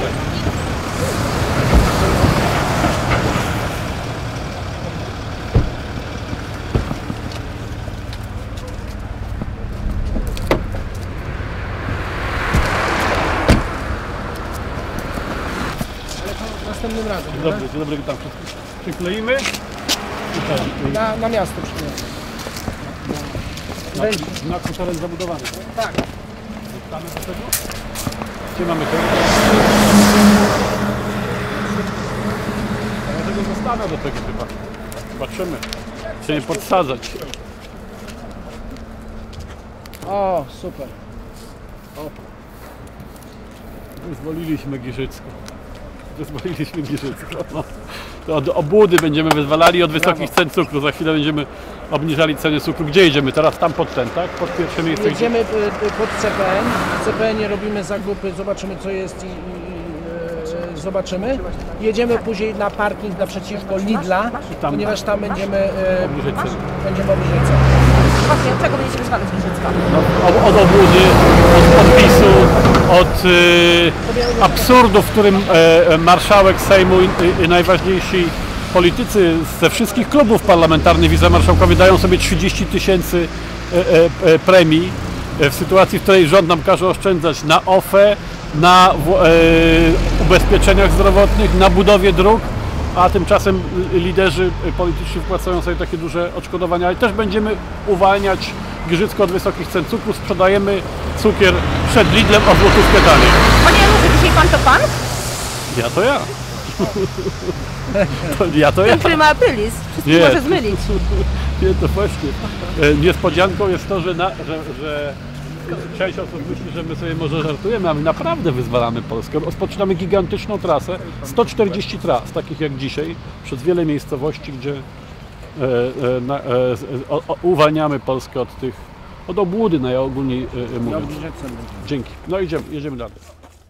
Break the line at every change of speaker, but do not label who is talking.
Następnym razem.
Dzień dobry, tam wszystko przykleimy.
Na miasto przyjdziemy.
Znak teren zabudowany.
Tak.
Zostamy do tego? Gdzie mamy to? Dlatego zostanę do tego chyba. Zobaczymy. Czy nie podsadzać.
O, super.
Wyzwoliliśmy Giżycko. No. To od obłudy będziemy wyzwalali, od wysokich cen cukru. Za chwilę będziemy obniżali ceny cukru. Gdzie jedziemy? Teraz tam pod ten, tak? Pod pierwsze miejsce.
Jedziemy pod CPN. W CPN-ie robimy zakupy, zobaczymy co jest i zobaczymy. Jedziemy później na parking naprzeciwko Lidla, ponieważ tam będziemy obniżać cenę.
Właśnie, od czego będziecie wyzwalać Giżycko?
No, od obłudy, od podpisu, od absurdu, w którym marszałek Sejmu i najważniejsi politycy ze wszystkich klubów parlamentarnych, wicemarszałkowie dają sobie 30 000 premii w sytuacji, w której rząd nam każe oszczędzać na OFE, na ubezpieczeniach zdrowotnych, na budowie dróg, a tymczasem liderzy polityczni wpłacają sobie takie duże odszkodowania, ale też będziemy uwalniać Giżycko od wysokich cen cukru. Sprzedajemy cukier przed Lidlem o złotówkę taniej.
Panie Januszu, dzisiaj pan to pan?
Ja to ja. Ja to ja.
Ten, który ma aprilis. Wszystkich może zmylić.
Nie, to właśnie. Niespodzianką jest to, że część osób myśli, że my sobie może żartujemy, a my naprawdę wyzwalamy Polskę. Rozpoczynamy gigantyczną trasę, 140 tras, takich jak dzisiaj, przez wiele miejscowości, gdzie uwalniamy Polskę od obłudy, najogólniej mówiąc. Dzięki. No jedziemy dalej.